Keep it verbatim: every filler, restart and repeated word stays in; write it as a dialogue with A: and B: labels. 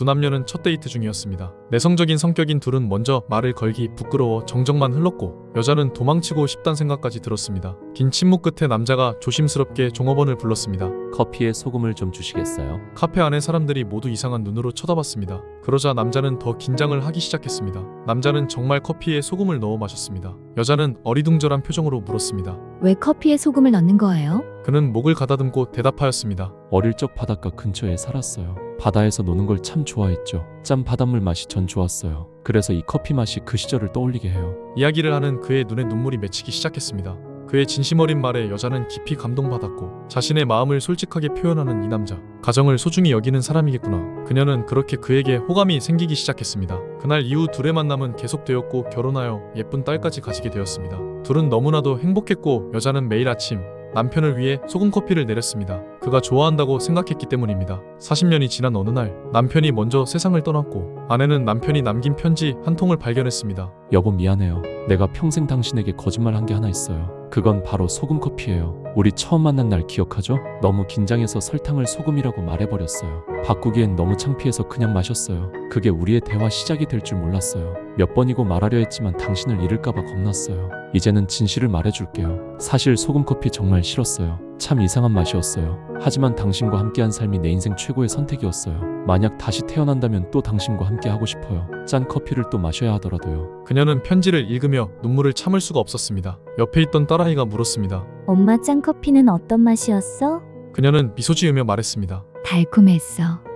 A: 두 남녀는 첫 데이트 중이었습니다. 내성적인 성격인 둘은 먼저 말을 걸기 부끄러워 정적만 흘렀고 여자는 도망치고 싶단 생각까지 들었습니다. 긴 침묵 끝에 남자가 조심스럽게 종업원을 불렀습니다.
B: 커피에 소금을 좀 주시겠어요?
A: 카페 안의 사람들이 모두 이상한 눈으로 쳐다봤습니다. 그러자 남자는 더 긴장을 하기 시작했습니다. 남자는 정말 커피에 소금을 넣어 마셨습니다. 여자는 어리둥절한 표정으로 물었습니다.
C: 왜 커피에 소금을 넣는 거예요?
A: 그는 목을 가다듬고 대답하였습니다.
B: 어릴 적 바닷가 근처에 살았어요. 바다에서 노는 걸 참 좋아했죠. 짠 바닷물 맛이 전 좋았어요. 그래서 이 커피 맛이 그 시절을 떠올리게 해요.
A: 이야기를 하는 그의 눈에 눈물이 맺히기 시작했습니다. 그의 진심 어린 말에 여자는 깊이 감동받았고 자신의 마음을 솔직하게 표현하는 이 남자, 가정을 소중히 여기는 사람이겠구나. 그녀는 그렇게 그에게 호감이 생기기 시작했습니다. 그날 이후 둘의 만남은 계속되었고 결혼하여 예쁜 딸까지 가지게 되었습니다. 둘은 너무나도 행복했고 여자는 매일 아침 남편을 위해 소금 커피를 내렸습니다. 그가 좋아한다고 생각했기 때문입니다. 사십 년이 지난 어느 날 남편이 먼저 세상을 떠났고 아내는 남편이 남긴 편지 한 통을 발견했습니다.
B: 여보 미안해요. 내가 평생 당신에게 거짓말한 게 하나 있어요. 그건 바로 소금 커피예요. 우리 처음 만난 날 기억하죠? 너무 긴장해서 설탕을 소금이라고 말해버렸어요. 바꾸기엔 너무 창피해서 그냥 마셨어요. 그게 우리의 대화 시작이 될 줄 몰랐어요. 몇 번이고 말하려 했지만 당신을 잃을까봐 겁났어요. 이제는 진실을 말해줄게요. 사실 소금 커피 정말 싫었어요. 참 이상한 맛이었어요. 하지만 당신과 함께한 삶이 내 인생 최고의 선택이었어요. 만약 다시 태어난다면 또 당신과 함께 하고 싶어요. 짠 커피를 또 마셔야 하더라도요.
A: 그녀는 편지를 읽으며 눈물을 참을 수가 없었습니다. 옆에 있던 딸아이가 물었습니다.
C: 엄마 짠 커피는 어떤 맛이었어?
A: 그녀는 미소 지으며 말했습니다.
C: 달콤했어.